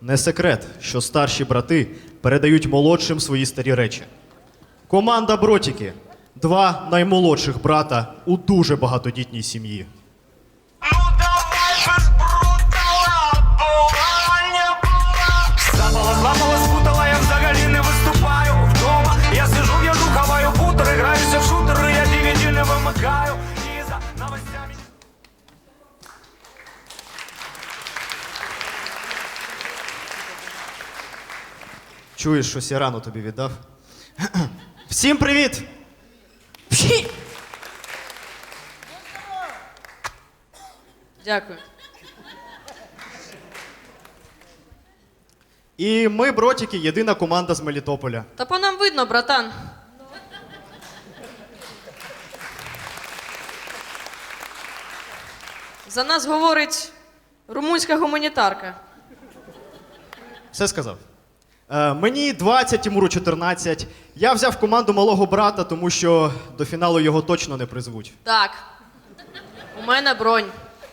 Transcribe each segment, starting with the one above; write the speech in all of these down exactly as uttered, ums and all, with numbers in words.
Не секрет, що старші брати передають молодшим свої старі речі. Команда Бротіки – два наймолодших брата у дуже багатодітній сім'ї. Ну давай без брутала, була, не була. Запала, зламала, спутала, я взагалі не виступаю вдома. Я сижу, в'яжу, хаваю бутер, граюся в шутери, я ді ві ді не вимикаю. І за новостями... Чуєш, щось я рано тобі віддав? Всім привіт! Пші! Дякую. І ми, Бротіки, єдина команда з Мелітополя. Та по нам видно, братан. За нас говорить румунська гуманітарка. Все сказав. Е, мені двадцять, Тимуру чотирнадцять. Я взяв команду малого брата, тому що до фіналу його точно не призвуть. Так. У мене бронь.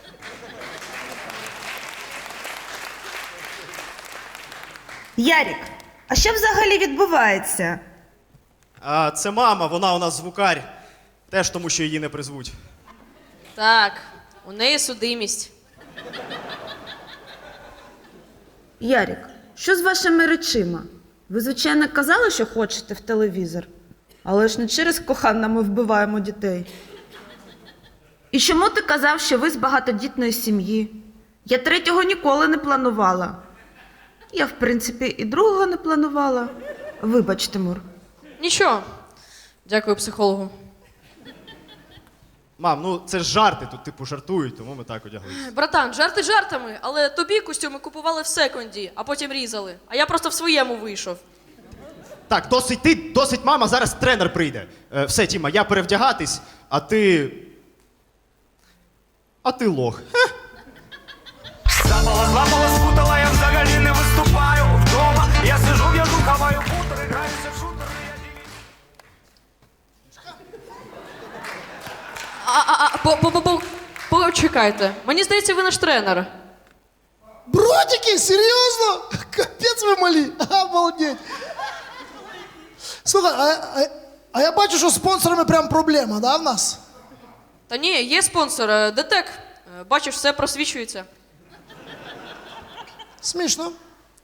Ярік, а що взагалі відбувається? А це мама, вона у нас звукар. Теж тому, що її не призвуть. Так, у неї судимість. Ярік, що з вашими речима? Ви, звичайно, казали, що хочете в телевізор, але ж не через кохання ми вбиваємо дітей. І чому ти казав, що ви з багатодітної сім'ї? Я третього ніколи не планувала. Я, в принципі, і другого не планувала. Вибач, Тимур. Нічого. Дякую психологу. Мам, ну це ж жарти, тут типу жартують, тому ми так одяглися. Братан, жарти жартами, але тобі костюми купували в секонді, а потім різали. А я просто в своєму вийшов. Так, досить ти, досить мама, зараз тренер прийде. Е, все, Тіма, я перевдягатись, а ти... А ти лох. Хе. Запала, зламала, спутала, я взагалі не виступаю вдома. Я сижу, в'яжу, хаваю бутер, граюся в шутери, я ді ві ді... А, а, а, по, по, по, по, почекайте. Мені здається, ви наш тренер. Бродики, серьезно? Капец вы мали, обалдеть. Слухай, а, а, а я бачу, що з спонсорами прям проблема, да, в нас? Та ні, є спонсор, е, ДТЕК. Е, Бачиш, все просвічується. Смішно.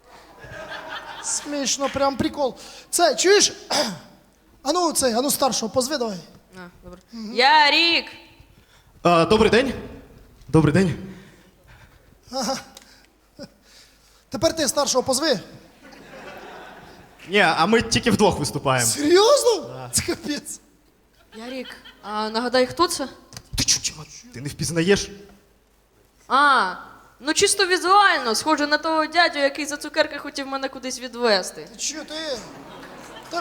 Смішно, прям прикол. Це, чуєш? А ну, цей, а ну старшого, позви давай. А, добре. Ярік! А, добрий день. Добрий день. Тепер ти старшого позви. Ні, а ми тільки вдвох виступаємо. Серйозно? Це капець. Ярік, а нагадай, хто це? Ти чу, Тіма, ти не впізнаєш? А, ну чисто візуально, схоже на того дядю, який за цукерки хотів мене кудись відвезти. Ти чо, ти? Та...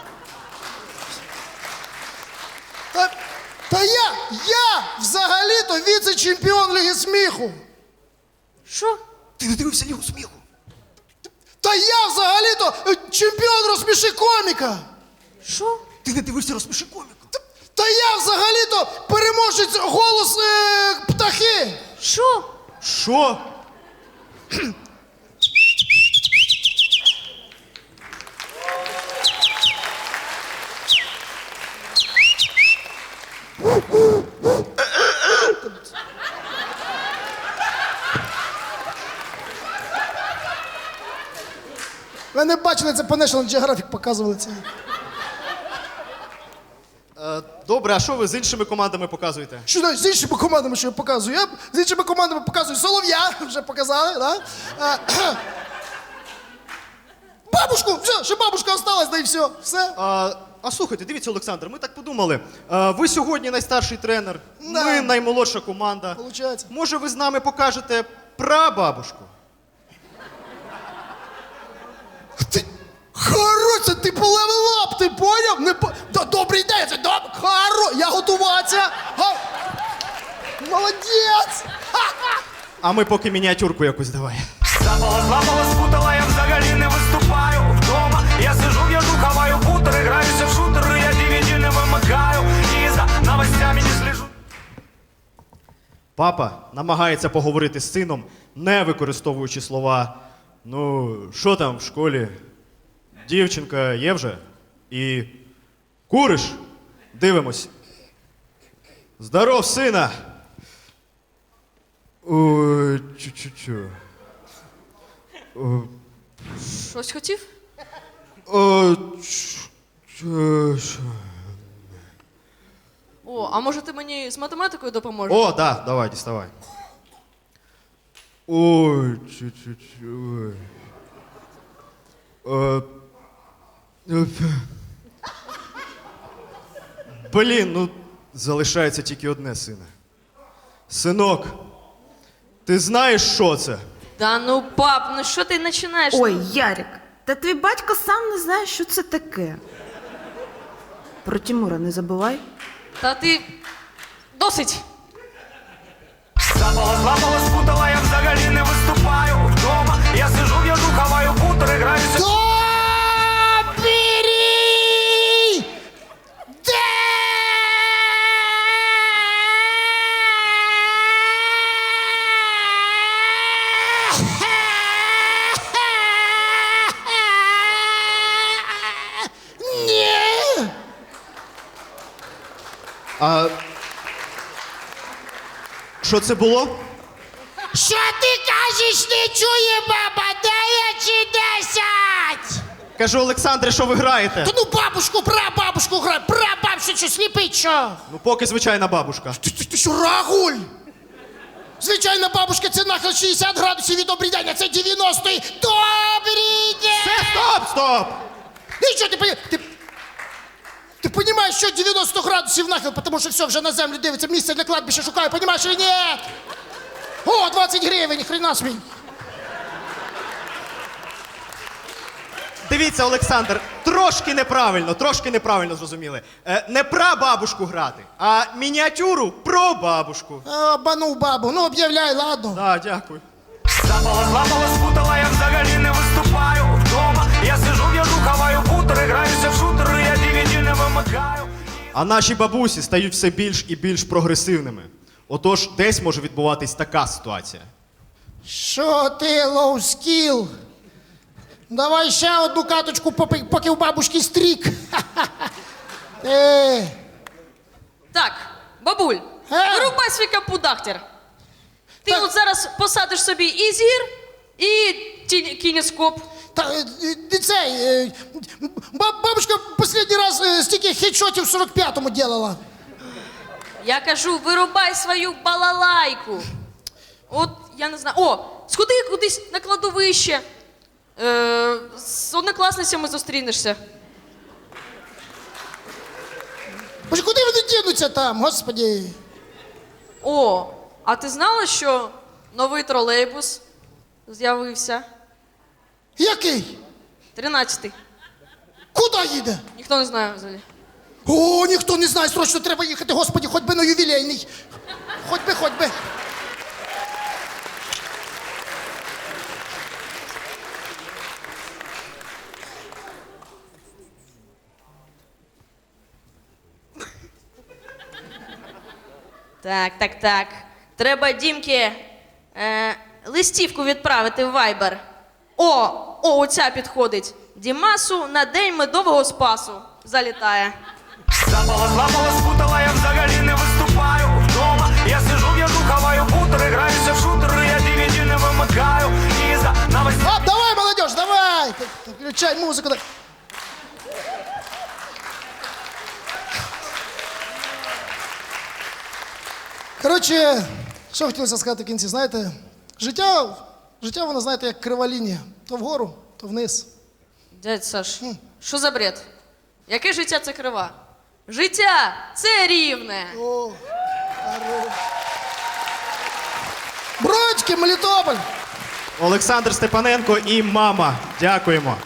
Та, та я, я взагалі-то віце-чемпіон Ліги сміху. Що? Ти не дивився Лігу сміху? Та я взагалі-то е, чемпіон розсміши коміка. Що? Ти не дивився розпиши коміку? Та, та я взагалі-то переможець голос е, птахи. Що? Що? Ви не бачили, це по National Geographic показували це. Е, добре, а що ви з іншими командами показуєте? Що знаєш, з іншими командами, що я показую? Я з іншими командами показую Солов'я, вже показали, да? А, бабушку, все, ще бабушка осталась, да і все, все. А, а слухайте, дивіться, Олександр, ми так подумали. А, ви сьогодні найстарший тренер, Да. ми наймолодша команда. Получається. Може, ви з нами покажете прабабушку? Ти, Харо, це ти полевелап, ти поняв? Не по... Да, добрий день, це доб... Харо, я готуватися. Га... Молодець. Ха-ха. А ми поки мініатюрку якусь давай. Запала, зламала, спутала, я взагалі не виступаю вдома. Я сижу, в'яжу, хаваю бутер, граюся в шутери, я ді ві ді не вимикаю. І за новостями не слежу. Папа намагається поговорити з сином, не використовуючи слова Ну, що там в школі? Дівчинка є вже? І куриш? Дивимось. Здоров, сина! Ой, чу-чу-чу. О, Щось хотів? о, ч- чу- чу. О, а може ти мені з математикою допоможеш? О, да, давай, діставай. Ой, чу-чу-чу. Ой. Е, е, Блін, ну залишається тільки одне, сина. Синок, ти знаєш, що це? Да ну, пап, ну що ти починаєш? Ой, Ярик, та твій батько сам не знає, що це таке. Про Тимура не забувай. Та ти. Досить! Запала, зламала, спутала, я взагалі не виступаю вдома. Я сижу, я хаваю бутери, граюся. Добрий день! Ні! А. Що це було? Що ти кажеш, не чує баба? Дев'ять десять! Кажу, Олександре, що ви граєте? Та ну бабушку, прабабушку грай, прабабушку, що сліпить, що? Ну, поки звичайна бабушка. Ти, ти, ти що, рагуль? Звичайна бабушка, це нахил шістдесят градусів від добрий день, а це дев'яносто. і- Добрий день! Все, стоп, стоп! І що ти, поні- ти, ти розумієш, що дев'яносто градусів нахил, тому що все, вже на землю дивиться, місце для кладбища шукаю, розумієш чи ні? О, двадцять гривень, хрена свій. Дивіться, Олександр, трошки неправильно, трошки неправильно зрозуміли. Е, не про бабушку грати, а мініатюру про бабушку. Обманув бабу, ну об'являй, ладно. Так, дякую. Запала, зламала, спутала, я взагалі не виступаю вдома. Я сижу, я хаваю бутери, граюся в шутери, я ді ві ді не вимикаю. А наші бабусі стають все більш і більш прогресивними. Отож, десь може відбуватись така ситуація. Що ти, лоу скіл? Давай ще одну каточку, поки, поки у бабушки стрік. Е, Так, бабуль, Е? вирубай свій капудахтер. Ти Так. от зараз посадиш собі і зір, і ті- кінескоп. та, е, е, цей, е, ба- бабушка останній раз е, стільки хедшотів в сорок п'ятому делала. Я кажу, вирубай свою балалайку. От, я не знаю. О, сходи кудись на кладовище. Е, з однокласницями зустрінешся. Боже, куди вони дінуться там, господі? О, а ти знала, що новий тролейбус з'явився? Який? Тринадцятий. Куди їде? Ніхто не знає взагалі. О, ніхто не знає, срочно треба їхати, господі, хоч би на ювілейний. Хоч би, хоч би. Так, так, так. Треба Дімки е, листівку відправити в Viber. О, о, оця підходить. Дімасу на день медового спасу. Залітає. Запала, зламала, спутала, я взагалі не виступаю вдома. Я сижу, я хаваю бутери, граюся в шутери, я ді ві ді не вимикаю. І за навесні. А, давай, молодежь, давай! Т- т- Включай музику. да- Коротше, що хотілося сказати в кінці, знаєте, життя, життя, воно, знаєте, як крива лінія. То вгору, то вниз. Дядь Саш, що за бред? Яке життя це крива? Життя це рівне. О, хорош. Бродьки, Мелітополь! Олександр Степаненко і мама. Дякуємо.